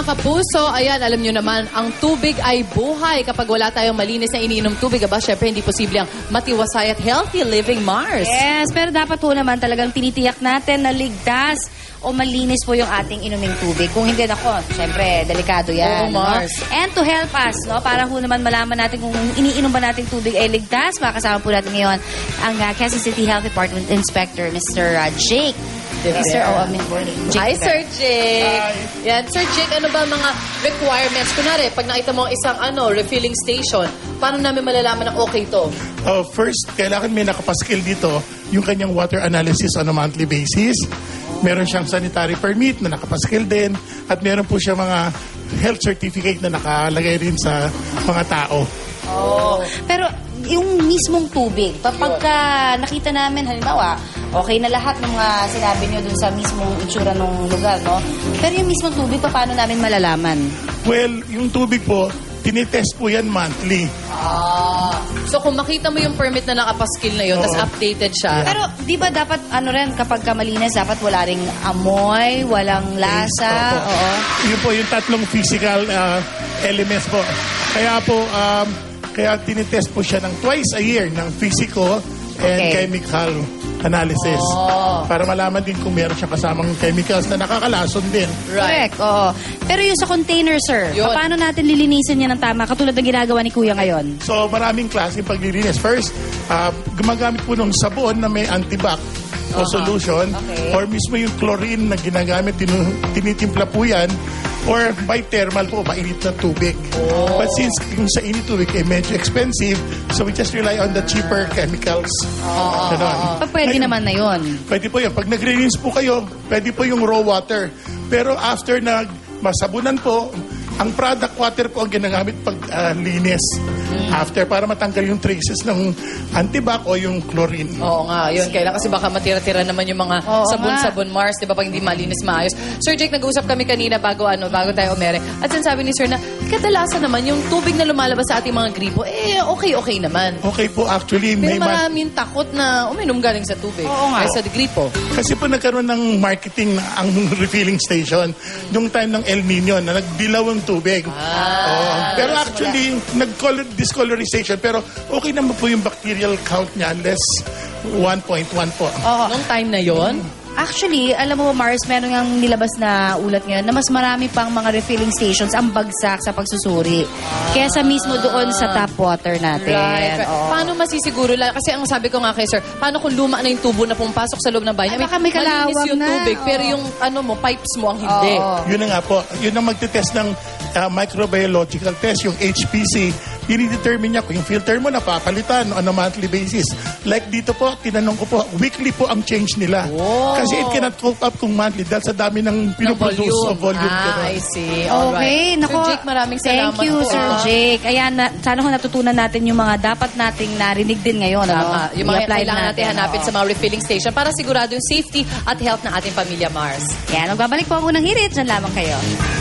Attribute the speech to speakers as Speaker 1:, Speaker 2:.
Speaker 1: kapuso, ayan, alam nyo naman, ang tubig ay buhay. Kapag wala tayong malinis na iniinom tubig, syempre hindi posible ang matiwasay at healthy living, Mars.
Speaker 2: Yes, pero dapat po naman talagang tinitiyak natin na ligtas o malinis po yung ating inuming tubig. Kung hindi, ako, syempre, delikado yan.
Speaker 1: Oo, Mars.
Speaker 2: No? And to help us, no, para po naman malaman natin kung iniinom ba nating tubig ay ligtas, makakasama po natin ngayon ang Quezon City Health Department Inspector, Mr. Jake. Mr.
Speaker 1: Hi, Sir Jake. Yan, Sir Jake, ano ba mga requirements? Kunwari, pag nakita mo isang refilling station, paano namin malalaman na okay to?
Speaker 3: First, kailangan may nakapaskil dito yung kanyang water analysis on a monthly basis. Meron siyang sanitary permit na nakapaskil din at meron po siya mga health certificate na nakalagay rin sa mga tao.
Speaker 2: Oh. Pero yung mismong tubig, pagka nakita namin, halimbawa, okay na lahat ng mga sinabi nyo dun sa mismong itsura ng lugar, no? Pero yung mismong tubig, paano namin malalaman?
Speaker 3: Well, yung tubig po, tinitest po yan monthly.
Speaker 1: So kung makita mo yung permit na nakapaskil na yun, tapos updated siya.
Speaker 2: Pero di ba dapat, kapag malinis, dapat wala ring amoy, walang lasa?
Speaker 3: Opo.
Speaker 2: Oo.
Speaker 3: Yun po yung tatlong physical elements po. Kaya tinitest po siya ng twice a year ng physical and chemical analysis. Para malaman din kung meron siyang kasamang chemicals na nakakalason din.
Speaker 2: Correct, oo. Pero yung sa container, sir,
Speaker 1: Yun.
Speaker 2: paano natin lilinisin yan ng tama? Katulad ng ginagawa ni Kuya ngayon.
Speaker 3: So maraming klaseng paglilinis. First, gumagamit po ng sabon na may antibac o solution.
Speaker 2: Okay.
Speaker 3: Or mismo yung chlorine na ginagamit, tinitimpla po yan. Or by thermal po, mainit na tubig. But since yung sa init tubig ay medyo expensive, so we just rely on the cheaper chemicals. Ganon.
Speaker 2: Pwede naman na yun.
Speaker 3: Pwede po yun. Pag nag-rinse po kayo, pwede po yung raw water. Pero after masabunan po, ang product water po ang ginagamit pag linis. After, para matanggal yung traces ng antibac o yung chlorine.
Speaker 1: Oo nga, yun. Kailan kasi baka matira-tira naman yung mga sabon-sabon, Mars, di ba, pag hindi malinis maayos. Sir Jake, nag-uusap kami kanina bago tayo umere. At sinasabi ni Sir na, kadalasan naman, yung tubig na lumalabas sa ating mga gripo, okay naman.
Speaker 3: Okay po, actually,
Speaker 1: Pero maraming takot na uminom galing sa tubig.
Speaker 2: Oo nga.
Speaker 1: Ay, sa gripo.
Speaker 3: Kasi po nagkaroon ng marketing ang refilling station yung time ng El Nino na nagdilaw ang tubig. Pero actually, discolorization. Pero okay naman po yung bacterial count niya, less 1.1 po.
Speaker 1: Nung time na yon.
Speaker 2: Actually, alam mo, Mars, meron yung nilabas na ulat ngayon na mas marami pang mga refilling stations ang bagsak sa pagsusuri. Kesa mismo doon sa tap water natin.
Speaker 1: Right.
Speaker 2: Oo.
Speaker 1: Paano masisiguro? Kasi ang sabi ko nga kay Sir, paano kung luma na yung tubo na pumapasok sa loob ng bahay?
Speaker 2: Baka may kalawang
Speaker 1: malinis yung
Speaker 2: na.
Speaker 1: tubig, pero yung pipes mo ang hindi.
Speaker 3: Yun na nga po. Yun ang magte-test ng microbiological test, yung HPC. I-determine niya kung yung filter mo napapalitan on a monthly basis. Like dito po, tinanong ko po, weekly po ang change nila. Kasi it cannot cope up kung monthly dahil sa dami ng pinuproduce o volume.
Speaker 1: I see.
Speaker 2: Okay,
Speaker 1: Alright.
Speaker 2: nako.
Speaker 1: Sir Jake, maraming salamat
Speaker 2: Thank you,
Speaker 1: po.
Speaker 2: Sir Jake. Ayan, sana kung natutunan natin yung mga dapat nating narinig din ngayon.
Speaker 1: Tama. Yung mga
Speaker 2: I-apply
Speaker 1: kailangan natin hanapin
Speaker 2: Oo.
Speaker 1: sa mga refilling station para sigurado yung safety at health ng ating pamilya, Mars.
Speaker 2: Yan, magbabalik po ako ng hirit. Diyan lamang kayo.